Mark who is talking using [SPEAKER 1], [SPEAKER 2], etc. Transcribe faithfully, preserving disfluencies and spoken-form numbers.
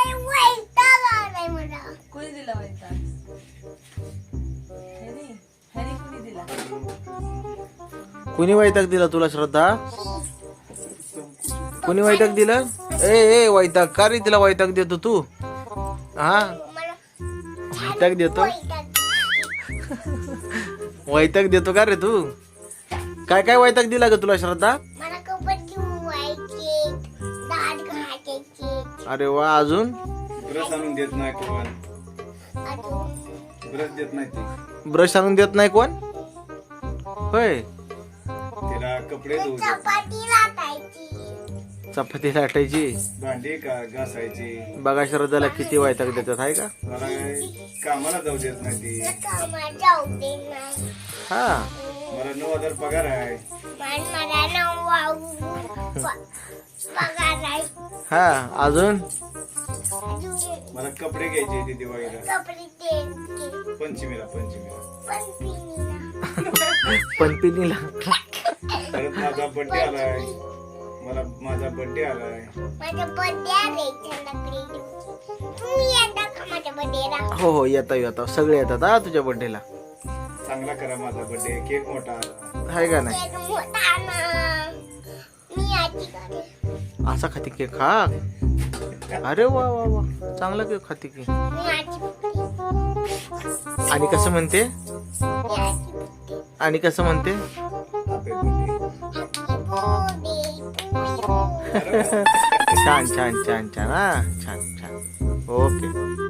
[SPEAKER 1] वैताग आलाय मला.
[SPEAKER 2] कोणी दिला वैताग? हॅरी हॅरी कोणी दिला?
[SPEAKER 3] कुणी वैताग दिला तुला श्रद्धा? कुणी वैताग दिलं? ए ए वैताग का रे तिला वैताग देतो तू? हा
[SPEAKER 1] मला
[SPEAKER 3] वैताग देतो?
[SPEAKER 1] वैताग.
[SPEAKER 3] वैताग देतो का रे तू? काय काय वैताग दिला ग तुला श्रद्धा?
[SPEAKER 1] मला कपडे धुवायचे, दात घासायचे,
[SPEAKER 3] अरे वा, अजून
[SPEAKER 4] ब्रश आणून देत नाही कोण.
[SPEAKER 1] अजून
[SPEAKER 4] ब्रश देत नाही ती.
[SPEAKER 3] ब्रश आणून देत नाही कोण? होय,
[SPEAKER 4] तिला कपडे धुवून देत.
[SPEAKER 1] चपाती लाटायची.
[SPEAKER 3] चपाती लाटायची.
[SPEAKER 4] भांडी का घासायची.
[SPEAKER 3] बघा श्रद्धाला किती वैताग देतात आहे का?
[SPEAKER 4] मला कामाला जाऊ देत नाही ती.
[SPEAKER 1] मला कामाला जाऊ दे नाही.
[SPEAKER 3] हा
[SPEAKER 4] मला नऊ हजार पगार आहे.
[SPEAKER 1] पण मला नऊ पगार आहे.
[SPEAKER 3] हा अजून
[SPEAKER 1] अजून
[SPEAKER 4] मला कपडे घ्यायचे ते दिवाळीला.
[SPEAKER 1] कपडे ते
[SPEAKER 4] पंचमीला पंचमीला
[SPEAKER 1] पण पिनीला.
[SPEAKER 3] पणपिनीला.
[SPEAKER 4] परत माझा बर्थडे आलाय. मला माझा बर्थडे आलाय.
[SPEAKER 1] माझा बर्थडे आहे संध्याकाळी. तुम्ही येता का माझ्या बर्थडेला?
[SPEAKER 3] हो हो येता येता सगळे येतात हा तुझ्या बर्थडेला.
[SPEAKER 4] चांगला करा माझा बर्थडे. केक मोठा आला.
[SPEAKER 3] आहे का नाही?
[SPEAKER 1] केक मोठा ना. मी आजी खाते.
[SPEAKER 3] असा खाती केक खा. अरे वा वा वा, चांगला केक खाते की.
[SPEAKER 1] मी आजी खाते.
[SPEAKER 3] आणि कसं म्हणते?
[SPEAKER 1] मी आजी खाते.
[SPEAKER 3] आणि कसं म्हणते?
[SPEAKER 4] Happy birthday.
[SPEAKER 1] Happy birthday to you.
[SPEAKER 3] छान छान छान छान हा छान छान. ओके.